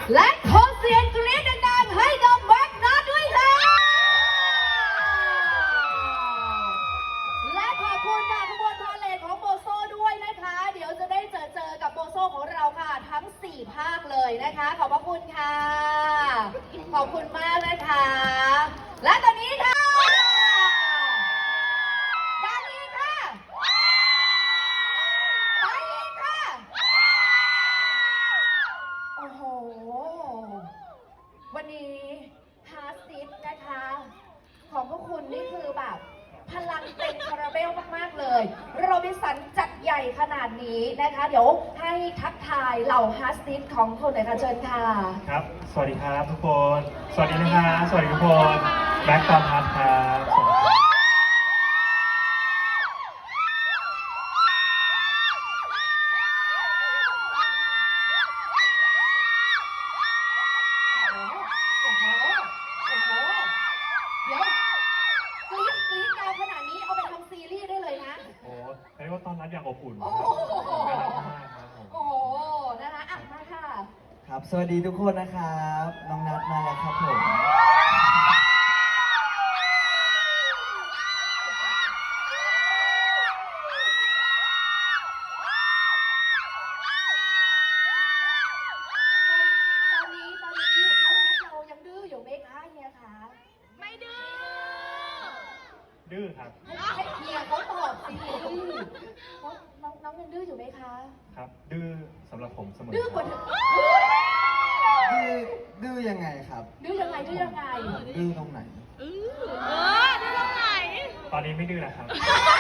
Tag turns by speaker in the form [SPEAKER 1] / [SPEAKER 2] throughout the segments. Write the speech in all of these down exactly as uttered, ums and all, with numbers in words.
[SPEAKER 1] และขอเสียงกรี๊ดดังๆให้กับแม็กนัทด้วยค่ะและขอบคุณค่ะขบวนพาเลทของโบโซด้วยนะคะเดี๋ยวจะได้เจอเจอกับโบโซของเราค่ะทั้งสี่ภาคเลยนะคะขอบพระคุณค่ะขอบคุณมากนะคะและตอนนี้ค่ะด้านนี้ค่ะไปอีกค่ะโอ้โหวันนี้ฮาร์ดซิสนะคะของพวกคุณนี่คือแบบพลังเต็มคาราเบลมากๆเลยโรบินสันจัดใหญ่ขนาดนี้นะคะเดี๋ยวให้ทักทายเหล่าฮาร์ดซิสของคนหน่อยค่ะเชิญค่ะ
[SPEAKER 2] ครับ สวัสดีครับทุกคน สวัสดีนะครับสวัสดีทุกคนแบ็คตอนทัศครับเรียกว่าต้อนรับอย่างอบอุ่นครับน่ารักมากครับผม
[SPEAKER 1] โอ้โหนะคะอ่ะมาค่ะ
[SPEAKER 3] ครับสวัสดีทุกคนนะครับน้องนัทมาแล้วครับผม
[SPEAKER 1] ตอนนี้ตอนนี้เรายังดื้ออยู่ไหมคะเฮียคะไม่ดื้อ
[SPEAKER 2] ดื้อครับ
[SPEAKER 1] ให้เฮียเขาตอบสิน้องน้องยังดื้ออยู่ไหมคะ
[SPEAKER 2] ครับดื้อสำหรับผมเสมอ
[SPEAKER 1] ดื้อกว่าดื้อ
[SPEAKER 3] ดื้อยังไงครับ
[SPEAKER 1] ดื้อยังไงดื้อยังไง
[SPEAKER 3] ดื้อตรงไหน
[SPEAKER 1] เออดื้อตรงไหน
[SPEAKER 2] ตอนนี้ไม่ดื้อแล้วครับ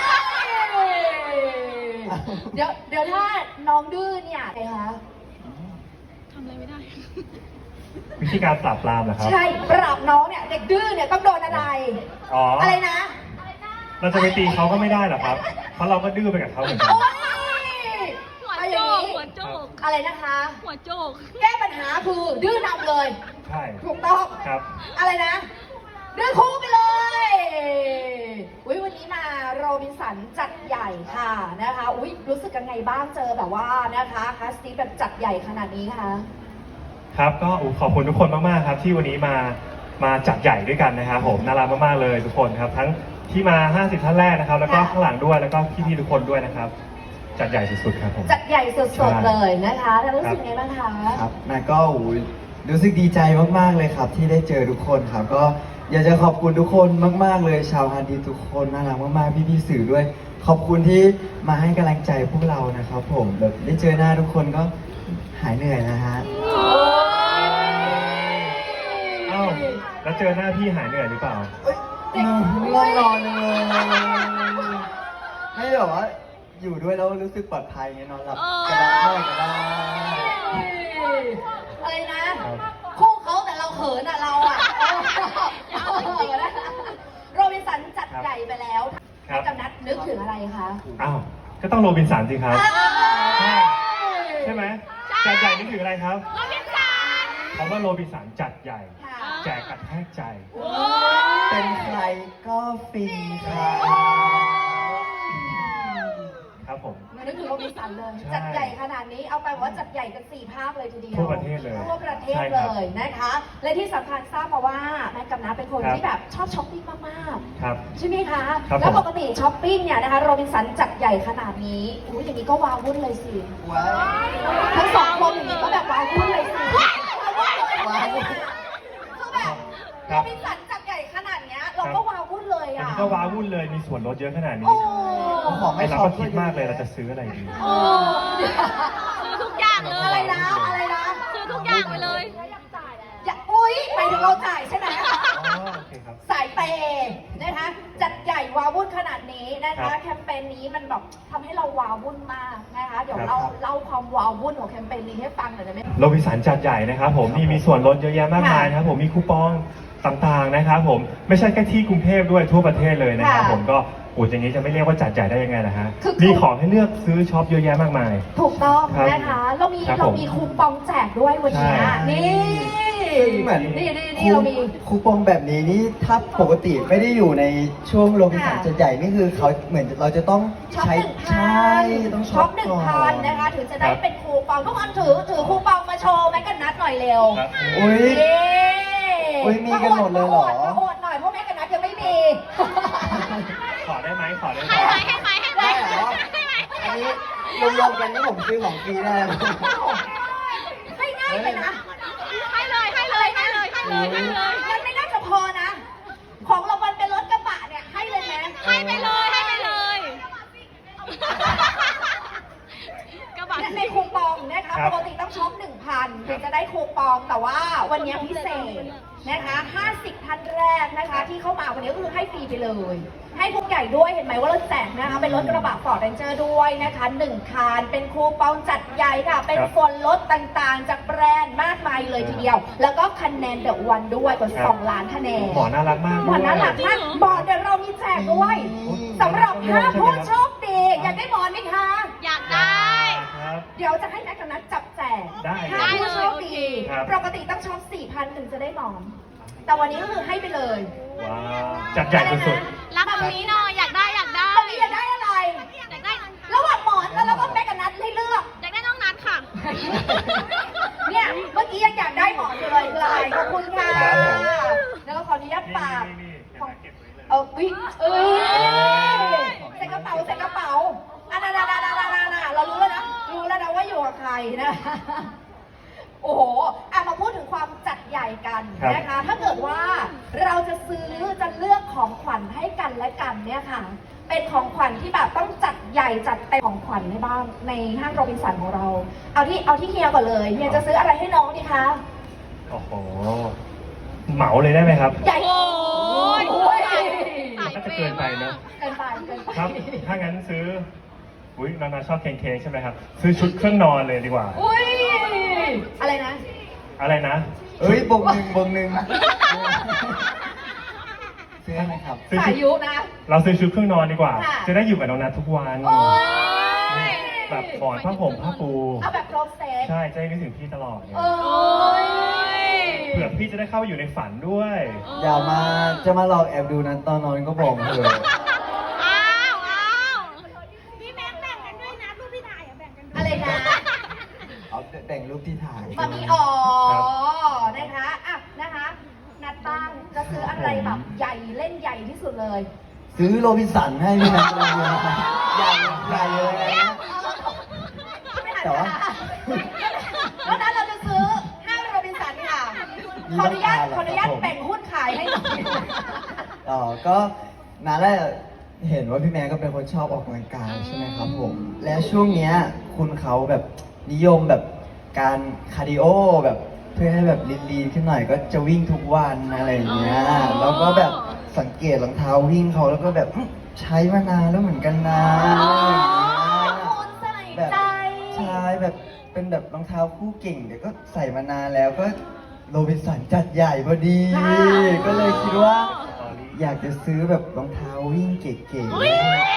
[SPEAKER 1] เดี๋ยวเดี๋ยวถ้าน้องดื้อเนี่ยไงคะ
[SPEAKER 4] ทำอะไรไม่ได้
[SPEAKER 2] วิธีการปราบปรามเหรอครับ
[SPEAKER 1] ใช่ปราบน้องเนี่ยเด็กดื้อเนี่ยต้องโดนอะไร
[SPEAKER 2] อ๋อ
[SPEAKER 1] อะไรนะ
[SPEAKER 2] เราจะไปตีเขาก็ไม่ได้หรอครับเพราะเราก็ดื้อไปกับเขาเหมือนกัน
[SPEAKER 4] หัวโจกหัวโจก
[SPEAKER 1] อะไรนะคะ
[SPEAKER 4] หัวโจก
[SPEAKER 1] แก้ปัญหาคือดื้อนำเลย
[SPEAKER 2] ใช่
[SPEAKER 1] ถูกต้อง
[SPEAKER 2] ครับ
[SPEAKER 1] อะไรนะดื้อคู่ไปเลยอุ้ยวันนี้มาโรบินสันจัดใหญ่ค่ะนะคะอุ้ยรู้สึกยังไงบ้างเจอแบบว่านะคะคัสตี้แบบจัดใหญ่ขนาดนี้ค่ะ
[SPEAKER 2] ครับก็ขอบคุณทุกคนมากๆครับที่วันนี้มามาจัดใหญ่ด้วยกันนะครับผมน่ารักมากๆเลยทุกคนครับทั้งที่มาห้าสิบท่านแรกนะครับแล้วก็ข้างหลังด้วยแล้วก็พี่ๆทุกคนด้วยนะครับจัดใหญ่สุดๆครับผม
[SPEAKER 1] จัดใหญ่สุดๆเลยนะคะแล้วรู้สึกไงบ้างคะ
[SPEAKER 3] ครับนาก็รู้สึกดีใจมากๆเลยครับที่ได้เจอทุกคนครับก็อยากจะขอบคุณทุกคนมากๆเลยชาวฮาร์ดดิสทุกคนน่ารักมากๆพี่ๆสื่อด้วยขอบคุณที่มาให้กำลังใจพวกเรานะครับผมแบบได้เจอหน้าทุกคนก็หายเหนื่อยนะฮะ
[SPEAKER 2] อ้าวแล้วเจอหน้าพี่หายเหนื่อยหรือเปล่า
[SPEAKER 3] ง่วงนอนเลยไม่แบบว่าอยู่ด้วยแล้วรู้สึกปลอดภัยไงนอนหลับก็ได้ก็ได้
[SPEAKER 1] อะไรนะคู่เขาแต่เราเขินอ่ะเราอ่ะโรบินสันจัดใหญ่ไปแล้วให้กับนัทนึกถึงอะไรคะ
[SPEAKER 2] อ้าวก็ต้องโรบินสันสิครับใช่ไหมจัดใหญ่นึกถึงอะไรครับ
[SPEAKER 4] โรบินสัน
[SPEAKER 2] คำว่าโรบินสันจัดใหญ่แจกกระแทกใจ
[SPEAKER 3] เป็นใครก็ฟินครับ
[SPEAKER 2] ครับผม
[SPEAKER 1] นึกถึงโรบินสันเลยจัดใหญ่ขนาดนี้เอาไปว่าจัดใหญ่กันสี่ภาคเลยทีเดียว
[SPEAKER 2] ทั่วประเทศเลย
[SPEAKER 1] ทั่วประเทศเลยนะคะและที่สำคัญทราบมาว่าแม่กับน้าเป็นคนที่แบบชอบช้อปปิ้งมากๆใช่ไหมคะแล้วปกติช้อปปิ้งเนี่ยนะคะโรบินสันจัดใหญ่ขนาดนี้อุ้ยอย่างนี้ก็ว้าวุ่นเลยสิทั้งสองคนอย่างนี้ก็แบบว้าวุ่นเลยสิว้าวุ่นคือแบบโรบินสันจัดใหญ่ขนาดนี้เราก็ว้าวุ่นเลยอ่ะ
[SPEAKER 2] ก็ว้าวุ่นเลยมีส่วนลดเยอะขนาดนี้
[SPEAKER 3] ของไม่
[SPEAKER 2] เราก็คิดมากเลยเราจะซื้ออะไรดี
[SPEAKER 4] ซื้อทุกอย่างเลย
[SPEAKER 1] อะไรนะอะไรนะ
[SPEAKER 4] ซื้อทุกอย่างไปเลย
[SPEAKER 1] อย่าอุ้ยไปถึงเราจ่ายใช่ไหม
[SPEAKER 2] โอเคครับ
[SPEAKER 1] สายเปย์นะคะจัดใหญ่ว้าวุ่นขนาดนี้นะคะแคมเปญนี้มันแบบทำให้เราว้าวุ่นมากนะคะเดี๋ยวเราเล่าความว้าวุ่นของแคมเปญนี้ให้ฟังหน่อยได้ไหม
[SPEAKER 2] โรบินสันจัดใหญ่นะครับผมนี่มีส่วนลดเยอะแยะมากมายนะครับผมมีคูปองต่างๆนะครับผมไม่ใช่แค่ที่กรุงเทพด้วยทั่วประเทศเลยนะครับผมก็โอ้ยอย่างนี้จะไม่เรียกว่าจัดใหญ่ได้ยังไงนะฮะมีของให้เลือกซื้อช็อปเยอะแยะมากมาย
[SPEAKER 1] ถูกต้องนะคะเรามีเรามีคูปองแจกด้วยวันนี้นี่
[SPEAKER 3] ซึ่งเหมือน
[SPEAKER 1] นี่นี่นี่เรามี
[SPEAKER 3] คูปองแบบนี้นี่ถ้าปกติไม่ได้อยู่ในช่วงโรบินสัน
[SPEAKER 1] ค่ะ
[SPEAKER 3] จะใหญ่นี่คือเขาเหมือนเราจะต้อง
[SPEAKER 1] ช็อป
[SPEAKER 3] ใช้
[SPEAKER 1] หนึ่งพั
[SPEAKER 3] ใช่
[SPEAKER 1] น
[SPEAKER 3] ต้อง
[SPEAKER 1] ช็
[SPEAKER 3] ช็
[SPEAKER 1] อ
[SPEAKER 3] อ
[SPEAKER 1] ป
[SPEAKER 3] ป
[SPEAKER 1] หนึ่ง
[SPEAKER 3] ก่อ
[SPEAKER 1] พัน
[SPEAKER 3] น
[SPEAKER 1] นะคะถึงจะได้เป็นคูปองทุกคนถือถือคูปองมาโชว์แม่กันนัดหน่อยเร็ว
[SPEAKER 2] ครับ
[SPEAKER 3] อุ้ย
[SPEAKER 1] เย้
[SPEAKER 3] อุ๊ยมีกันหมดเลยเหรอ
[SPEAKER 1] มาโอดหน่อยเพราะแม่กันนัดยังไม่มี
[SPEAKER 2] ขอได้ไหมขอได้ไหม
[SPEAKER 4] ให้ไหมให้ไหมให้ไหม
[SPEAKER 3] ได้เหรอ
[SPEAKER 4] ให้ไหม
[SPEAKER 3] อันนี้รวมๆกันนี่ผมซื้อของฟรีได้ไหม
[SPEAKER 1] ให้ง่ายเลยนะ
[SPEAKER 4] ให้เลยให้เลยให้เลยให้เลยให้เลย
[SPEAKER 1] มันไม่น่าจะพอนะ ของรางวัลเป็นรถกระบะเนี่ยให้เลยไหม
[SPEAKER 4] ให้ไปเลยให้ไปเลยกระบะ
[SPEAKER 1] ในคูปองนะคะปกติต้องช็อปหนึ่งพันถึงจะได้คูปองแต่ว่าวันนี้พิเศษนะคะห้าสิบท่านแรกนะคะที่เข้ามาวันนี้ก็คือให้ฟรีไปเลย ให้พวกใหญ่ด้วยเห็นไหมว่าเราแจกนะคะเป็นรถกระบะฟอร์ดเรนเจอร์ด้วยนะคะหนึ่งคันเป็นคูปองจัดใหญ่ค่ะ เป็นส่วนลดต่างๆ จากแบรนด์มากมายเลยทีเดียว แล้วก็คะแนนเดอะวันด้วยกว่าสองล้านคะแนน
[SPEAKER 2] หมอน่ารักมาก
[SPEAKER 1] หมอนน่ารักมากหมอนเดี๋ยวเรามีแจกด้วยสำหรับห้าผู้โชคดีอยากได้หมอนไหมคะ
[SPEAKER 4] อยากได้
[SPEAKER 2] ครับ
[SPEAKER 1] เดี๋ยวจะให้แม็กกับนัทจับแจก
[SPEAKER 2] ได้
[SPEAKER 1] ห้าผู้โชคดี
[SPEAKER 2] ครับ
[SPEAKER 1] ปกติต้องช็อปสี่พันถึงจะได้หมอน แต่วันนี้ก็คือให้ไปเลย
[SPEAKER 2] ว้าวจัดใหญ่สุด
[SPEAKER 4] รับแบบนี้หน่อยอยากได้อยากได้
[SPEAKER 1] ตอนนี้อยากได้อะไร
[SPEAKER 4] อยากได้
[SPEAKER 1] ระหว่างหมอนแล้วเราก็แม็กกับนัทให้เลือก
[SPEAKER 4] อยากได้น้องนัดค่ะ
[SPEAKER 1] เนี่ยเมื่อกี้ยังอยากได้หมอนอยู่เลยเลยขอบคุณค่ะ แล้วก็ขออนุญาต
[SPEAKER 2] ๆ
[SPEAKER 1] ฝาก
[SPEAKER 2] นี่นี่ๆ
[SPEAKER 1] ของ
[SPEAKER 2] ๆเก็บไว้เลย
[SPEAKER 1] เออวิเอ้ยใส่กระเป๋าใส่กระเป๋าอ่ะนานานานานานาเรารู้แล้วนะ รู้แล้วนะว่าอยู่กับใครนะ โอ้โหอ่ะมาพูดถึงความจัดใหญ่กัน
[SPEAKER 2] ครับ
[SPEAKER 1] นะคะ ถ้าเกิดว่าเราจะซื้อจะเลือกของขวัญให้กันและกันเนี่ยค่ะ เป็นของขวัญที่แบบต้องจัดใหญ่จัดเต็มของขวัญในบ้านในห้างโรบินสันของเรา เอาที่เอาที่เฮียก่อนเลยเฮียจะซื้ออะไรให้น้องดีคะ
[SPEAKER 2] โอ้โห เหมาเลยได้ไหมครับ
[SPEAKER 1] ใหญ่
[SPEAKER 4] โอ้ย
[SPEAKER 1] โอ้ย
[SPEAKER 4] สาย
[SPEAKER 2] น่าจะ
[SPEAKER 4] เป
[SPEAKER 2] เกิน
[SPEAKER 4] ย์
[SPEAKER 2] ไป
[SPEAKER 4] มาก
[SPEAKER 2] เนอะ
[SPEAKER 1] เกินไปเกินไป
[SPEAKER 2] ครับ ถ้างั้นซื้อ อุ้ยนานาชอบเค้กๆใช่ไหมครับ ซื้อชุดเครื่องนอนเลยดีกว่า
[SPEAKER 1] อุ้ยอะไรนะ
[SPEAKER 2] อะไรนะ
[SPEAKER 3] เอ้ยบงหนึ่งบงหนึ่งซื้อไหมครับ
[SPEAKER 2] ซื้อ
[SPEAKER 1] สา
[SPEAKER 2] ชุ
[SPEAKER 1] ย
[SPEAKER 2] ด
[SPEAKER 1] ยุนะ
[SPEAKER 2] เราซื้อชุดเครื่องนอนดีกว่า
[SPEAKER 1] ค่ะ
[SPEAKER 2] จะได้อยู่กับน้องนัททุกวัน
[SPEAKER 1] โอ้ย
[SPEAKER 2] แบบหมอนผ้าห่มผ้าปู
[SPEAKER 1] เอาแบบครบเซต
[SPEAKER 2] ใช่จะได้นึกถึงพี่ตลอดไง
[SPEAKER 1] โอ้ย
[SPEAKER 2] เผื่อพี่จะได้เข้าไปอยู่ในฝันด้วย
[SPEAKER 3] อย่ามาจะมาหลอกแอบดูนั้นตอนนอนก็บอกเถอะ
[SPEAKER 4] อ้าวอ้าวพี่แบงค์แบ่งกันด้วยนะรูปพี่ถ่ายอะแบ่งกันด้วย
[SPEAKER 1] อะไรนะ
[SPEAKER 3] เอาแต่งรูปที่ถ่าย
[SPEAKER 1] มามีอ๋อ
[SPEAKER 2] ครับ
[SPEAKER 1] นะคะอ่ะนะคะ นัดบ้างจะซื้ออะไรแบบใหญ่เล่นใหญ่ที่สุดเลย
[SPEAKER 3] ซื้อโรบินสันให้พี่นัทเลยนะครับใหญ่ใหญ่เลยนะ
[SPEAKER 1] ไม่หัน
[SPEAKER 3] แต่ว่า
[SPEAKER 1] เพราะนั้นเราจะซื้อห้างโรบินสันค่ะ ขออนุญาตขออนุญาตแบ่งหุ้นขายให้หน่อย
[SPEAKER 3] อ๋อก็นานแล้วเห็นว่าพี่แม่ก็เป็นคนชอบออกกำลังกายใช่ไหมครับผม และช่วงเนี้ยคุณเขาแบบนิยมแบบการคาร์ดิโอแบบเพื่อให้แบบลีนๆขึ้นหน่อยก็จะวิ่งทุกวันอะไรอย่างเงี้ย
[SPEAKER 4] อ๋อ
[SPEAKER 3] แล้วก็แบบสังเกตรองเท้าวิ่งเขาแล้วก็แบบอื้อใช้มานานแล้วเหมือนกันนะอะไรอย่างเงี้ย
[SPEAKER 1] คุณใส่
[SPEAKER 3] แบบ
[SPEAKER 1] ใจ
[SPEAKER 3] ใช่แบบเป็นแบบรองเท้าคู่เก่งแต่ก็ใส่มานานแล้วก็โรบินสันจัดใหญ่พอดี ก็เลยคิดว่า อยากจะซื้อแบบรองเท้าวิ่งเก๋ๆ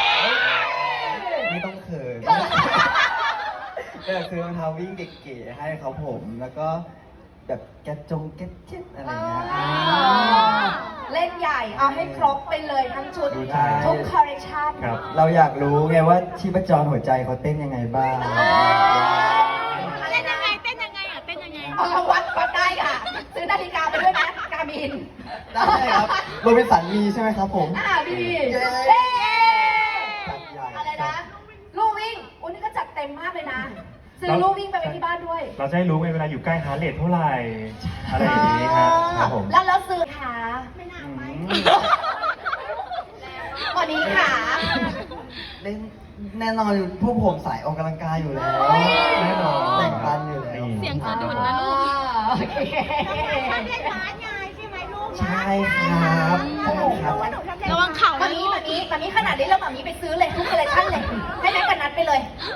[SPEAKER 3] ไม่ต้องเขินก็อยากซื้อรองเท้าวิ่งเก๋ๆให้เขาผม แล้วก็แบบแกะจงแกะเจ็ตอะไรเงี้ย
[SPEAKER 1] อ่าเล่นใหญ่เอาให้ครบไปเลยทั้งชุด
[SPEAKER 2] ดูใจ
[SPEAKER 1] ทุกคอลเลคชัน
[SPEAKER 2] ครับ
[SPEAKER 3] เราอยากรู้ไงว่าชีพจรหัวใจเขาเต้นยังไงบ้าง
[SPEAKER 4] เต้นยังไงเต้นยังไงอ่ะเต้นยังไง
[SPEAKER 1] เอาละวัดวัดได้ค่ะ ซื้อนาฬิกาไปด้วยนะกามิน
[SPEAKER 3] ได้ครับโรบินสันมีใช่ไหมครับผม
[SPEAKER 1] อ่าดี
[SPEAKER 3] เย้
[SPEAKER 1] เย้
[SPEAKER 3] จัดใหญ่
[SPEAKER 1] อะไรนะ ลูกวิ่งอุ้ยนี่ก็จัดเต็มมากเลยนะ ซื้อลูกวิ่งไปไว้ที่บ้านด้วย
[SPEAKER 2] เราจะได้รู้ไงเวลาอยู่ใกล้ฮาร์ทเรทเท่าไหร่ อะไรอย่างนี้ครับครับผม
[SPEAKER 1] แล้วแล้วซื้อขา
[SPEAKER 3] อืม
[SPEAKER 1] วันนี้ขา
[SPEAKER 3] เล่นแน่นอนอยู่พวกผมสายออกกำลังกายอยู่แล้ว
[SPEAKER 2] แน่นอน
[SPEAKER 3] แต่งปันอยู่แล้ว
[SPEAKER 4] เสียงสะดุดนะลูก
[SPEAKER 1] โอเค
[SPEAKER 3] ใช่ครับใช่ครับ
[SPEAKER 4] ระวังเข่า
[SPEAKER 1] มา
[SPEAKER 4] นะ
[SPEAKER 1] มี
[SPEAKER 4] ลูก
[SPEAKER 1] มามีมามีขนาดนี้แล้วมามีไปซื้อเลยทุกคอลเลคชันเลย ให้แม่กันนัดไปเลย จัดเต็ม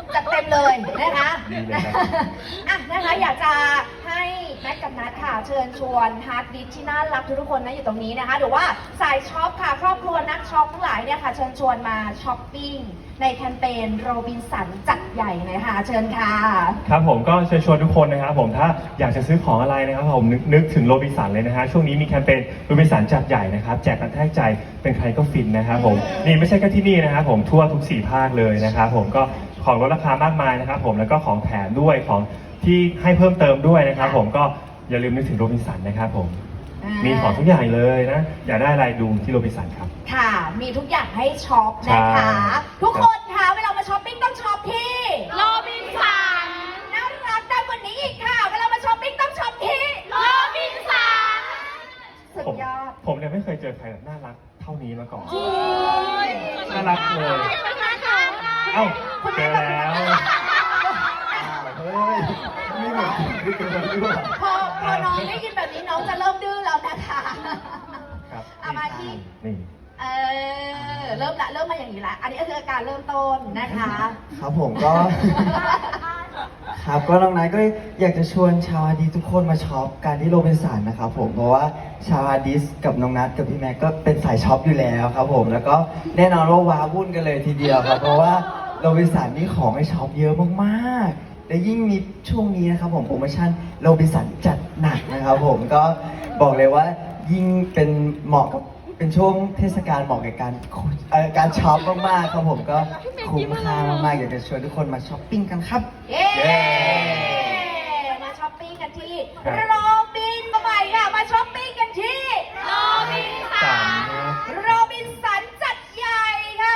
[SPEAKER 1] เลยนะคะ
[SPEAKER 2] ดีเลยครับ
[SPEAKER 1] อ่ะนะคะอยากจะให้แม็กกับนัทค่ะเชิญชวนฮาร์ดดิสที่น่ารักทุกๆคนนะอยู่ตรงนี้นะคะหรือว่าสายช็อปค่ะครอบครัวนักช็อปทั้งหลายเนี่ยค่ะเชิญชวนมาช้อปปิ้งในแคมเปญโรบินสันจัดใหญ่นะคะเชิญค่ะ
[SPEAKER 2] ครับผมก็เชิญชวนทุกคนนะครับผมถ้าอยากจะซื้อของอะไรนะครับผมนึกนึกถึงโรบินสันเลยนะฮะช่วงนี้มีแคมเปญโรบินสันจัดใหญ่นะครับแจกกันแทกใจเป็นใครก็ฟินนะครับผมนี่ไม่ใช่แค่ที่นี่นะครับผมทั่วทุกสี่ภาคเลยนะครับผมก็ของลดราคามากมายนะครับผมแล้วก็ของแถมด้วยของที่ให้เพิ่มเติมด้วยนะครับผมก็อย่าลืมนึกถึงโรบินสันนะครับผม
[SPEAKER 1] อ่ามี
[SPEAKER 2] มีของทุกอย่างเลยนะอยากได้อะไรดูที่โรบินสันครับ
[SPEAKER 1] ค่ะ มีทุกอย่างให้ช็อปนะคะ
[SPEAKER 2] ใช่
[SPEAKER 1] ทุกคนคะเวลามาช้อปปิ้งต้องช็อปที่
[SPEAKER 4] โรบินสัน
[SPEAKER 1] น่ารักได้กว่านี้อีกค่ะ เวลามาช้อปปิ้งต้องช็อปที่
[SPEAKER 4] โรบินสัน
[SPEAKER 1] สุด
[SPEAKER 2] ผม
[SPEAKER 1] ยอด
[SPEAKER 2] ผมเนี่ยไม่เคยเจอใครแบบน่ารักเท่านี้มาก่อน
[SPEAKER 4] โอ้ย
[SPEAKER 2] น่ารักเลย เอ้าเจอแล้ว
[SPEAKER 3] เฮ้ยไม่เหมือนที่เกิดด้วย
[SPEAKER 1] พอพอน้องได้ยินแบบนี้น้องจะเริ่มดื้อแล้วนะคะ
[SPEAKER 2] ครับ
[SPEAKER 1] เอามาที่
[SPEAKER 2] นี่
[SPEAKER 1] เออเริ่มละเริ่มมาอย่างนี้ละอันนี้ก็คือการเริ่มต้นนะคะ
[SPEAKER 3] ครับผมก็ ครับก็น้องนัทก็อยากจะชวนชาวอาร์ดิสทุกคนมาช็อปการที่โรบินสันนะครับผมเพราะว่าชาวอาร์ดิสกับน้องนัทกับพี่แม็กก็เป็นสายช็อปอยู่แล้วครับผมแล้วก็แน่นอนว่าว้าวุ่นกันเลยทีเดียวครับเพราะว่าโรบินสันนี่ของให้ช็อปเยอะมากๆและยิ่งมีช่วงนี้นะครับผมโปรโมชั่นโรบินสันจัดหนักนะครับผมก็บอกเลยว่ายิ่งเป็นเหมาะกับเป็นช่วงเทศกาลเหมาะกับการเอ่อการช็อปมากๆครับผมก็คุ้มค่ามากๆอยากจะชวนทุกคนมาช้อปปิ้งกันครับ
[SPEAKER 1] เย้
[SPEAKER 2] เย้
[SPEAKER 1] มาช้อปปิ้งกันที่
[SPEAKER 2] ครับ
[SPEAKER 1] โรบินมาใหม่ค่ะมาช้อปปิ้งกันที่
[SPEAKER 4] โรบินสั
[SPEAKER 2] สาน มนะ
[SPEAKER 1] โรบินสันจัดใหญ่ค่ะ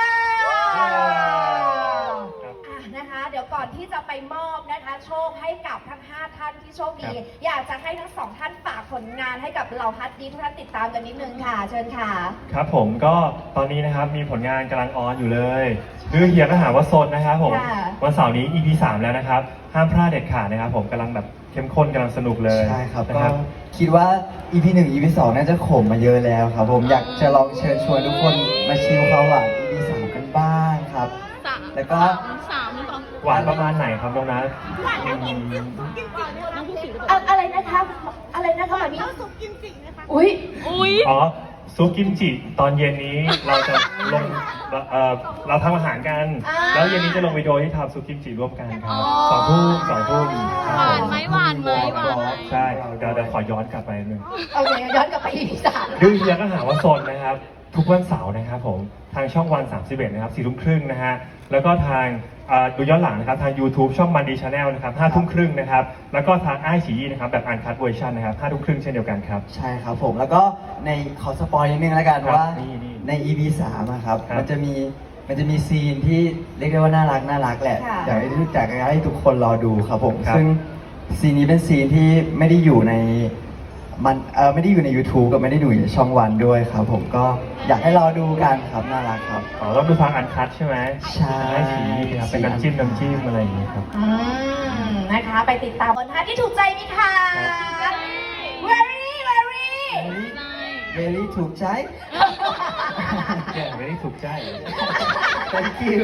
[SPEAKER 2] ครับ
[SPEAKER 1] อ่ะนะคะ เดี๋ยวก่อนที่จะไปมอบนะคะ โชคให้กับทั้งห้าท่านที่โชคดี
[SPEAKER 2] ครับ
[SPEAKER 1] อยากจะให้ทั้งสองท่านฝากผลงานให้กับเราฮัตดีทุกท่านติดตามกันนิดนึงค่ะ เชิญค่ะ
[SPEAKER 2] ครับผมก็ตอนนี้นะครับมีผลงานกำลังออนอยู่เลยคือเฮียก็หาว่าโซนนะครับผม
[SPEAKER 1] ค่ะ
[SPEAKER 2] วันเสาร์นี้ อี พี สามแล้วนะครับห้ามพลาดเด็ดขาดนะครับผมกำลังแบบเข้มข้นกำลังสนุกเลย
[SPEAKER 3] ใช่ครับ
[SPEAKER 2] นะ
[SPEAKER 3] ก็
[SPEAKER 2] ครับ
[SPEAKER 3] คิดว่า อี พี หนึ่ง อี พี สองน่าจะขมมาเยอะแล้วครับผมอยากจะลองเชิญชวนทุกคนมาชิมความหวาน อี พี สามกันบ้างครับ
[SPEAKER 4] สาม
[SPEAKER 3] แล้วก็
[SPEAKER 4] สามสอง
[SPEAKER 2] หวานประมาณไหนครับน้องนัท
[SPEAKER 4] น้องผู้สิง
[SPEAKER 1] อะอะไรนะคะ อะไรนะคะแบบนี้
[SPEAKER 4] น้ำซุปกิมจิไหมคะ
[SPEAKER 1] อุ้ย
[SPEAKER 4] อุ้ย
[SPEAKER 2] อ๋อซุปกิมจิตอนเย็นนี้เราจะลงเอ่อเราทำอาหารกัน
[SPEAKER 1] อ่า
[SPEAKER 2] แล้วเย็นนี้จะลงวิดีโอที่ทำซุปกิมจิร่วมกันค
[SPEAKER 1] อ๋
[SPEAKER 2] รั
[SPEAKER 1] อ
[SPEAKER 2] บสองทุ่มสองทุ่มครับ
[SPEAKER 4] หวานไหมหวานไหมหวานไหม
[SPEAKER 2] ใช่เดี๋ยวเดี๋ยวขอย้อนกลับไปหนึ่ง
[SPEAKER 1] โอเคย้อนกลับไปอีพีสาม
[SPEAKER 2] ดื้อเฮียก็หาว่าโซนนะครับ ทุกวันเสาร์นะครับผมทางช่องวันสามสิบเอ็ดนะครับสี่ทุ่มครึ่งนะฮะแล้วก็ทางเอ่อดูย้อนหลังนะครับทาง YouTube ช่องมันดีชาแนลนะครับห้าทุ่มครึ่งนะครับแล้วก็ทางไอฉีนะครับแบบอันคัดเวอร์ชันนะครับห้าทุ่มครึ่งเช่นเดียวกันครับ
[SPEAKER 3] ใช่ครับผมแล้วก็ในขอสปอยนิดนึงแล้วกัน
[SPEAKER 2] ครับ
[SPEAKER 3] ว่า
[SPEAKER 2] นี่นี่
[SPEAKER 3] ใน อี พี สามอะครับ
[SPEAKER 2] ครับ
[SPEAKER 3] มันจะมีมันจะมีซีนที่เรียกได้ว่าน่ารักน่ารักแหละ
[SPEAKER 1] ค่ะ
[SPEAKER 3] อยากให้อยากให้ทุกคนรอดูครับผม
[SPEAKER 2] ครับ
[SPEAKER 3] ซึ่งซีนนี้เป็นซีนที่ไม่ได้อยู่ในมันเออไม่ได้อยู่ใน YouTube กับไม่ได้อยู่ในช่องวันด้วยครับผมก็อยากให้รอดูกันครับน่ารักครับ
[SPEAKER 2] อ๋อเราดูทางอันคัดใช่ไหม
[SPEAKER 3] ใช่
[SPEAKER 2] ไอฉีครับเป็นน้ำจิ้มน้ำจิ้มอะไรอย่างเงี้ยครับ
[SPEAKER 1] อืมนะคะ ไปติดตามบนท่าที่ถูกใจไหมคะ very very
[SPEAKER 3] เวลี่ถูกใจ
[SPEAKER 2] แกไม่ได้ถูกใจ
[SPEAKER 3] thank you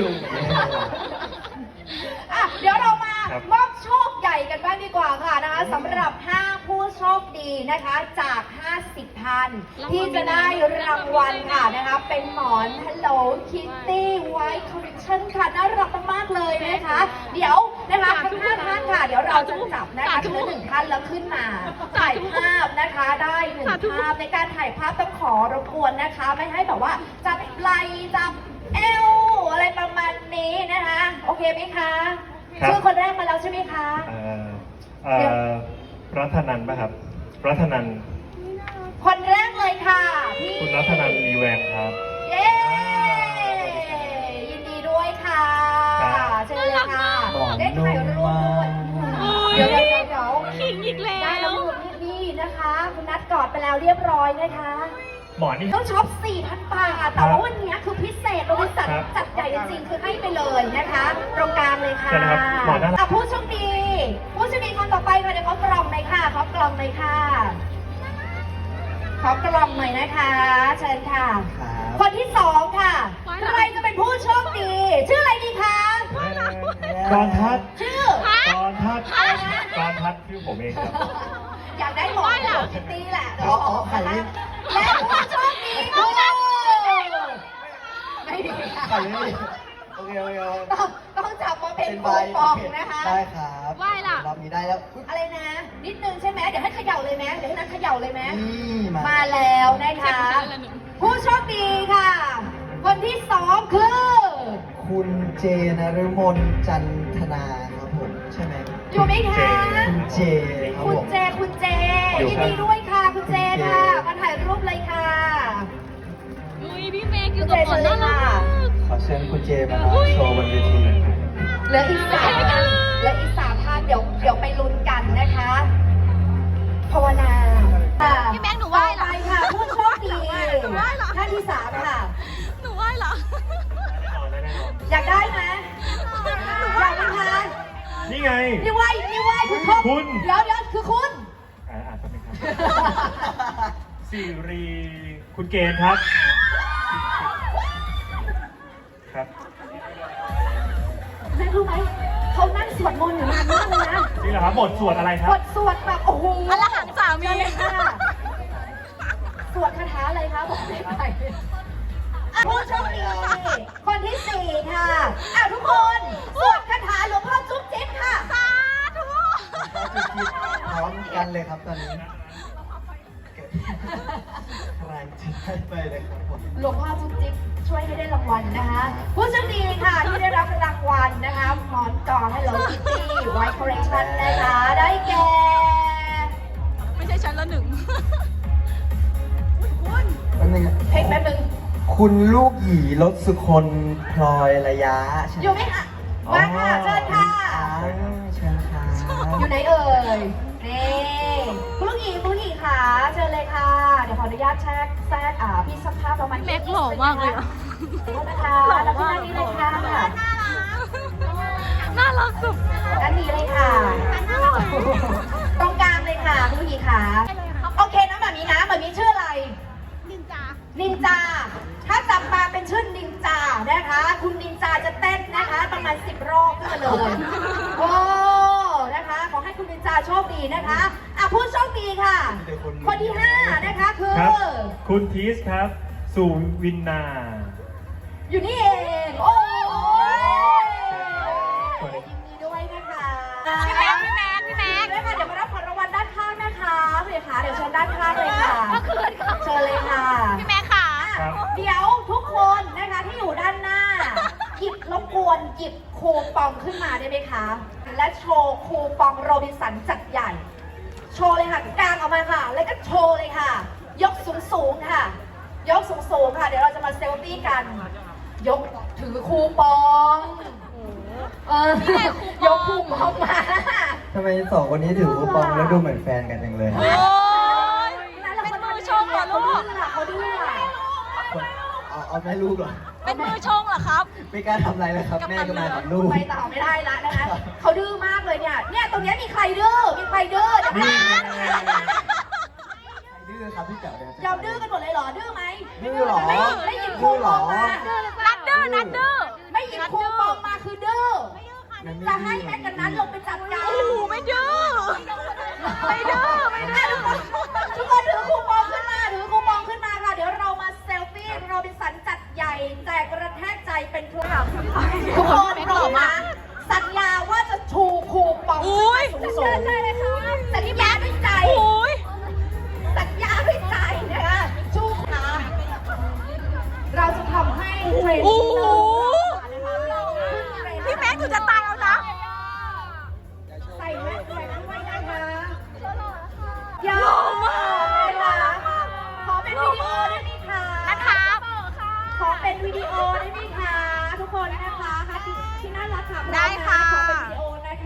[SPEAKER 1] อ่ะเดี๋ยวเรามา
[SPEAKER 2] ครับ
[SPEAKER 1] มอบโชคใหญ่กันบ้างดีกว่าค่ะนะคะสำหรับ ห้า ผู้โชคดีนะคะจาก ห้าสิบท่านที่จะได้รางวัลค่ะนะคะเป็นหมอน Hello Kitty White Collection ค่ะน่ารักมากๆเลยนะคะ เดี๋ยวนะคะทั้งห้าท่านค่ะ เดี๋ยวเราจะจับนะคะทีละหนึ่งท่านแล้วขึ้นมาถ่ายภาพนะคะได้หนึ่งภาพในการถ่ายภาพต้องขอรบกวนนะคะ ไม่ให้แบบว่าจับไหล่จับเอวอะไรประมาณนี้นะคะ โอเคไหมคะ
[SPEAKER 2] ครับ
[SPEAKER 1] ชื่อคนแรกมาแล้วใช่ไหมคะ
[SPEAKER 2] เอ่อเอ่อรัฐนันท์ป่ะครับ รัฐนันท์
[SPEAKER 1] คนแรกเลยค่ะพี่
[SPEAKER 2] คุณรัฐนันท์มีแวงครับ
[SPEAKER 1] เย้ยินดีด้วยค่ะ
[SPEAKER 2] ครับ
[SPEAKER 1] เชิญเลยค่ะ
[SPEAKER 3] หมอน
[SPEAKER 1] ได้ถ่ายรูปด้วย
[SPEAKER 4] อุ๊ย
[SPEAKER 1] เดี๋ยวเดี๋ยวเดี๋ยว
[SPEAKER 4] ขิงอีกแล้
[SPEAKER 1] ได้
[SPEAKER 4] ว
[SPEAKER 1] แล้วนี่นะคะ คุณนัดกอดไปแล้วเรียบร้อยนะคะ
[SPEAKER 2] หมอนี่
[SPEAKER 1] ต้องช็อป สี่พัน บาท แต่ว่าวันนี้คือพิเศษบริษัท
[SPEAKER 2] ครับ
[SPEAKER 1] จัดใหญ่จริงๆ คือให้ไปเลยนะคะ ตรงกลางเลยค่ะ
[SPEAKER 2] ใช่นะครับหมอน่ารัก
[SPEAKER 1] อ่ะผู้โชคดี ผู้โชคดีคนต่อไปค่ะเดี๋ยวเขากล่องเลยค่ะเขากล่องเลยค่ะขอกล่องหน่อยนะคะ เชิญค่ะ
[SPEAKER 3] ครับ
[SPEAKER 1] คนที่สองค่ะ ใครจะเป็นผู้โชคดี ชื่ออะไรดีคะ
[SPEAKER 2] แวง
[SPEAKER 1] ใคร
[SPEAKER 2] กรทัศน์
[SPEAKER 1] ชื่อ
[SPEAKER 2] กรทัศน์กรทัศน์ชื่อผมเองครับ
[SPEAKER 1] อยากได้หมอคิตตี้แหละ
[SPEAKER 3] อ๋ออ๋อไข่ลิ้น
[SPEAKER 1] และผู้โชคดีคือไม่มีค่ะ
[SPEAKER 3] ไข่ไม่มีโอเคโอเคโอเค
[SPEAKER 1] ต้องต้องจับมาเป็น
[SPEAKER 3] เป็น
[SPEAKER 1] คู
[SPEAKER 3] ใบ
[SPEAKER 1] ปองนะคะ
[SPEAKER 3] ได้ครับ
[SPEAKER 4] ไหว้ล่ะ
[SPEAKER 3] รอบนี้ได้แล้วอุ๊ย
[SPEAKER 1] อะไรนะ นิดนึงใช่ไหมเดี๋ยวให้เขย่าเลยไหมเดี๋ยวให้นัทเขย่าเลยไหม
[SPEAKER 3] นี่มา
[SPEAKER 1] มาแล้วนะคะ ผู้โชคดีค่ะ คนที่สองคือ
[SPEAKER 3] คุณเจนฤมลจันทนาครับผมใช่ไหม
[SPEAKER 1] อยู่ไหมคะ
[SPEAKER 3] คุณเจครับ
[SPEAKER 1] คุ
[SPEAKER 3] ผ
[SPEAKER 1] ณ
[SPEAKER 3] ม
[SPEAKER 1] เจ คุณเจ
[SPEAKER 2] อยู่
[SPEAKER 1] ยิน
[SPEAKER 2] ครับ
[SPEAKER 1] ดีด้วยค่ะ คุณเจ
[SPEAKER 3] คุณเจ
[SPEAKER 1] ค่ะ มาถ่ายรูปเลยค่ะ
[SPEAKER 4] อุ้ยพี่เมย์คือกับหมอนน่ารักมาก
[SPEAKER 3] ขอเชิญคุณเจมาโชว์บนเวที
[SPEAKER 1] เหลืออีกสามท่านเหลืออีกสามท่านเดี๋ยวเดี๋ยวไปลุ้นกันนะคะภาวนาค่ะ
[SPEAKER 4] พี่แม็กซ์หนูไหว้เหรอ
[SPEAKER 1] ต่อไปค่ะ ผู้โชคดี
[SPEAKER 4] หนูไหว้เหรอ
[SPEAKER 1] ท่านที่สามค่ะ
[SPEAKER 4] หนูไหว้เหรอ
[SPEAKER 1] อยากได้ไหมอยากไหมคะ
[SPEAKER 2] นี่ไง
[SPEAKER 1] นี่ไหวนี่ไหวคุณทบ
[SPEAKER 2] คุณ
[SPEAKER 1] เดี๋ยวเดี๋ยวคือคุณ
[SPEAKER 2] อ่าอ่านแป๊บนึงครับสิริคุณเกณฑ์ครับ ครับ
[SPEAKER 1] แม่รู้ไหมเขานั่งสวดมนต์อยู่นานมากเลยนะ
[SPEAKER 2] นี่เหรอครับบทสวดอะไรครับ
[SPEAKER 1] บทสวดแบบโอ้โห
[SPEAKER 4] อรหังสามี
[SPEAKER 1] เชิญเลยค่ะสวดคาถาอะไรคะบอกได้ไหมอ่ะผู้โชคดีคนที่สี่ค่ะอ่ะทุกคนสวดคาถาหลวงพ่อจุ๊บจิ๊บค่ะ
[SPEAKER 4] สาธุ
[SPEAKER 3] พร้อมกันเลยครับตอนนี้ใครจะได้ไปเลยครับผม
[SPEAKER 1] หลวงพ่อจุ๊บจิ๊บช่วยให้ได้รางวัลนะคะ ผู้โชคดีค่ะที่ได้รับรางวัลนะคะหมอนกอ Hello Kitty White Collection นะคะได้แก่
[SPEAKER 4] ไม่ใช่ฉันละหนึ่ง
[SPEAKER 3] แป๊บนึงนะ
[SPEAKER 1] เพลงแป๊บนึง
[SPEAKER 3] คุณลูกหยีรสสุคนพลอยระยะใช่ไหม
[SPEAKER 1] อยู่ไหมคะมาค่ะเชิญค่ะ
[SPEAKER 3] อ๋อเชิญค่ะ
[SPEAKER 1] อยู่ไหนเอ่ย นี่คุณลูกหยีคุณลูกหยีค่ะเชิญเลยค่ะ เดี๋ยวขออนุญาตแทรกแทรกอ่าพี่สักภาพประมาณ
[SPEAKER 4] แม็กหล่อมากเลยอะ
[SPEAKER 1] ขอโทษนะคะแล้วที่ด้านนี้เลยค่ะ
[SPEAKER 4] น่ารักสุด
[SPEAKER 1] ด้านนี้เลยค่ะ ตรงกลางเลยค่ะคุณลูกหยีค่ะ โอเคนะแบบนี้นะแบบนี้ชื่ออะไร
[SPEAKER 4] นินจา
[SPEAKER 1] นินจา ถ้าจับมาเป็นชื่อนินจานะคะ คุณนินจาจะเต้นนะคะ ประมาณสิบรอบขึ้นมาเลย โอ้ นะคะ ขอให้คุณนินจาโชคดีนะคะอ่ะผู้โชคดีค่ะ คนที่ห้านะคะคือ
[SPEAKER 2] ครับ คุณทีสครับ สุวินนา
[SPEAKER 1] อยู่นี่เอง โอ้ยยินดีด้วยนะคะ
[SPEAKER 4] พี่แม็กพี่แม็กพี่แม็ก
[SPEAKER 1] ด้วยค่ะเดี๋ยวมารับของรางวัลด้านข้างนะคะพี่ค่ะเดี๋ยวเชิญด้านข้างเลยค่ะ
[SPEAKER 4] เมื่อคืนค่ะ
[SPEAKER 1] เชิญเลยค่ะ
[SPEAKER 4] พี่แม็กค่ะ
[SPEAKER 2] ครับ
[SPEAKER 1] เดี๋ยวทุกคนนะคะที่อยู่ด้านหน้าหยิบรบกวนหยิบคูปองขึ้นมาได้ไหมคะ และโชว์คูปองโรบินสันจัดใหญ่ โชว์เลยค่ะกางออกมาค่ะ แล้วก็โชว์เลยค่ะ ยกสูงสูงๆค่ะ ยกสูงสูงๆค่ะ เดี๋ยวเราจะมาเซลฟี่กัน ยกถือคูปองเออยกคูปองมา
[SPEAKER 3] ทำไมสองคนนี้ถือคูปองแล้วดูเหมือนแฟนกันจังเลย
[SPEAKER 4] โอ้ยเป็นมือชงเหรอลูก
[SPEAKER 1] เขาดื้ออะ
[SPEAKER 3] เอาเอาแม่ลูกเหรอ
[SPEAKER 4] เป็นมือชงเหรอครับ
[SPEAKER 3] ไม่กล้าทำอะไรเลยครับ แม่ก็มากับลูก
[SPEAKER 1] ไปต่อไม่ได้ละนะคะเขาดื้อมากเลยเนี่ย เนี่ยตรงเนี้ยมีใครดื้อ มีใครดื้อเดี๋ยว
[SPEAKER 2] นี่
[SPEAKER 1] นะ
[SPEAKER 2] ไง
[SPEAKER 3] ดื้อครับพี่เต๋อเนี่ย
[SPEAKER 1] ยอมดื้อกันหมดเลยเหรอ ดื้อไหม
[SPEAKER 3] ดื้อเหรอ
[SPEAKER 1] ไม่ไม่หยิบคูปองมา
[SPEAKER 4] นัดดื้อนัดดื้อ
[SPEAKER 1] ไม่หยิบคูปองมาคือดื้อ
[SPEAKER 3] งั้นไม่
[SPEAKER 1] จะ
[SPEAKER 3] ดื้อ
[SPEAKER 1] ให้แม่กันนั้นลงไปจัดการ
[SPEAKER 4] โอ้โหไม่ดื้อ ไม่ดื้อไม่ดื้อ
[SPEAKER 1] ทุกคนถือคูปองขึ้นมา ถือคูปองขึ้นมาค่ะ เดี๋ยวเรามาเซลฟี่โรบินสันจัดใหญ่แจกกระแทกใจเป็นทุกอย่างทุกคนพร้อมนะสัญญาว่าจะชูคูปองขึ้นมาสูงๆ
[SPEAKER 4] ใช่เลยค่ะ
[SPEAKER 1] สัญญาด้วยใจ
[SPEAKER 4] โอ้ย
[SPEAKER 1] สัญญาด้วยใจนะคะชูขาเราจะทำให้เทรน
[SPEAKER 4] โอ้
[SPEAKER 1] ด์
[SPEAKER 4] โห
[SPEAKER 1] ขึ้นเทรนด์
[SPEAKER 4] พี่แม็กซ์หนูจะตายแล้วนะ
[SPEAKER 1] ใส่แมสใส่ด้วยนะคะยาวมากเลยค่ะขอเป็นวิดีโอได้ไหมคะ
[SPEAKER 4] นะครับ
[SPEAKER 1] ขอเป็นวิดีโอได้ไหมคะ ทุกคนนะคะค่ะที่ที่น่ารักค่ะ
[SPEAKER 4] ได้ค่ะ
[SPEAKER 1] ขอเป็นวิดีโอนะคะ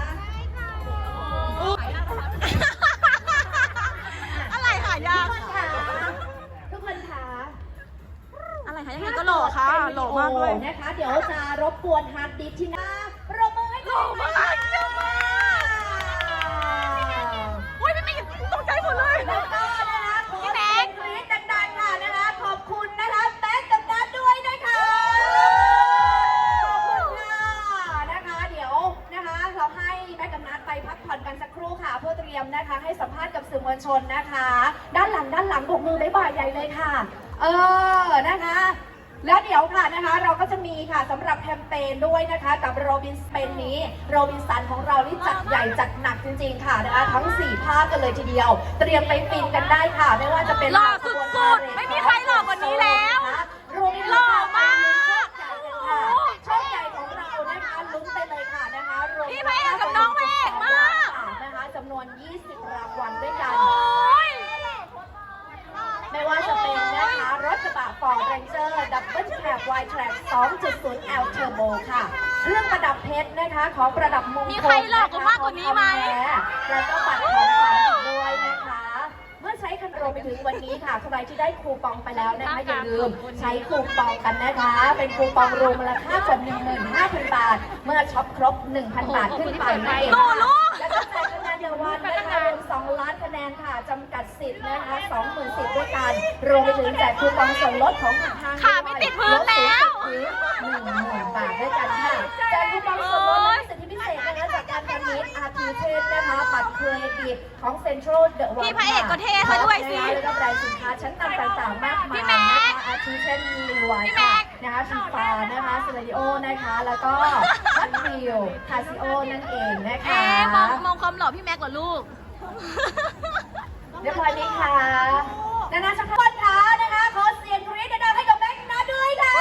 [SPEAKER 4] อะไรหายาก
[SPEAKER 1] ทุกคนค่ะทุกคนค่ะ
[SPEAKER 4] อะไรหายากก็หล่อค่ะหล่อมากด้วย
[SPEAKER 1] นะคะ เดี๋ยวจะรบกวนฮาร์ดดิสก์ที่หน้าปรบมือให้
[SPEAKER 4] หล่อมากเยี่ยมมากโอ้ยไม่ไม่ตกใจหมดเลย
[SPEAKER 1] แล้วก็นะคะขอ
[SPEAKER 4] พี่แม็
[SPEAKER 1] เสีย
[SPEAKER 4] ก
[SPEAKER 1] ง
[SPEAKER 4] ซ์
[SPEAKER 1] กรี๊ดดังๆค่ะนะคะ ขอบคุณนะคะแม็กซ์กับนัทด้วยนะคะ ขอบคุณค่ะนะคะ เดี๋ยวมนะคะให้สัมภาษณ์กับสื่อมวลชนนะคะ ด้านหลังด้านหลังบกมือบ๊ายบายใหญ่เลยค่ะ เออนะคะ แล้วเดี๋ยวค่ะนะคะเราก็จะมีค่ะสำหรับแคมเปญด้วยนะคะกับโรบินสเปนนี้โรบินสันของเรานี่จัดใหญ่จัดหนักจริงๆค่ะนะคะทั้งสี่ภาคกันเลยทีเดียว เตรียมไปฟินกันได้ค่ะ ไม่ว่าจะเป็น
[SPEAKER 4] หล่อสุดๆไม่มีใครหล่อกว่านี้แล้ว
[SPEAKER 1] รวมถึง
[SPEAKER 4] หล่อมาก
[SPEAKER 1] โชคใหญ่ของเรานะคะลุ้นไปเลยค่ะนะคะรวม
[SPEAKER 4] พี่พระเอกกับน้องพระเอกมาก
[SPEAKER 1] นะคะจำนวน ยี่สิบ รางวัลด้วยกัน
[SPEAKER 4] โอ้ย
[SPEAKER 1] ไม่ว่าจะเป็นนะคะรถกระบะ Ford Ranger Double Cab Wide Track สองจุดศูนย์ แอล Turbo ค่ะเครื่องประดับเพชรนะคะของประดับมงคล
[SPEAKER 4] มีใครหลอกกว่ามากกว่านี้ไหม
[SPEAKER 1] แล้วก็บัตรของขวัญอีกด้วยนะคะ เมื่อใช้คันโรไปถึงวันนี้ค่ะใครที่ได้คูปองไปแล้วนะคะอย่าลืมใช้คูปองกันนะคะ เป็นคูปองรวมมูลค่ากว่า หนึ่งหมื่นห้าพัน บาท เมื่อช็อปครบ หนึ่งพัน บาทขึ้นไปนั่นเองค่ะแล้วก็แจกคะแนนเดวันนะคะรวมสองล้านคะแนนค่ะจำกัดสิทธิ์นะคะ สองหมื่น สิทธิ์ด้วยกันรวมไปถึงแจกคูปองส่วนลดของทางห้าง
[SPEAKER 4] ขาไม่ติดพื้นแล้ว
[SPEAKER 1] หนึ่งหมื่นบาทด้วยกันค่ะแจกคูปองส่วนลดและสิทธิพิเศษนะคะจากการการมิตอาร์ทีเทสนะคะบัตรเครดิตของเซ็นทรัลเดอะวัน
[SPEAKER 4] พี่พระเอกก็เท่ซะด้วยสิ
[SPEAKER 1] แล้วก็แบรนด์สินค้าชั้นนำต่างๆมากมาย
[SPEAKER 4] พี่แม็
[SPEAKER 1] นะคะ
[SPEAKER 4] ก
[SPEAKER 1] อาทิเช่นลีวาย
[SPEAKER 4] พี่แม็
[SPEAKER 1] ค่ะ
[SPEAKER 4] ก
[SPEAKER 1] นะคะฟีฟานะคะสเตดิโอนะคะ แล้วก็ฮัตฟิลคาซิโอนั่นเองนะคะ
[SPEAKER 4] เอ๊ะมองมองความหล่อพี่แม็กกว่าลูก
[SPEAKER 1] เรียบร้อยไหมคะนานาชักพอนขานะคะขอเสียงกรี๊ดดังๆให้กับแม็กซ์นะด้วยค่ะ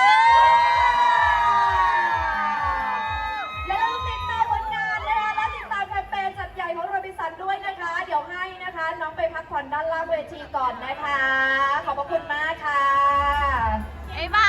[SPEAKER 1] อย่าลืมติดตามผลงานนะคะและติดตามแคมเปญจัดใหญ่ของโรบินสันด้วยนะคะ เดี๋ยวให้นะคะน้องไปพักผ่อนด้านล่างเวทีก่อนนะคะ ขอบพระคุณมากค่ะ
[SPEAKER 4] บ๊ายบา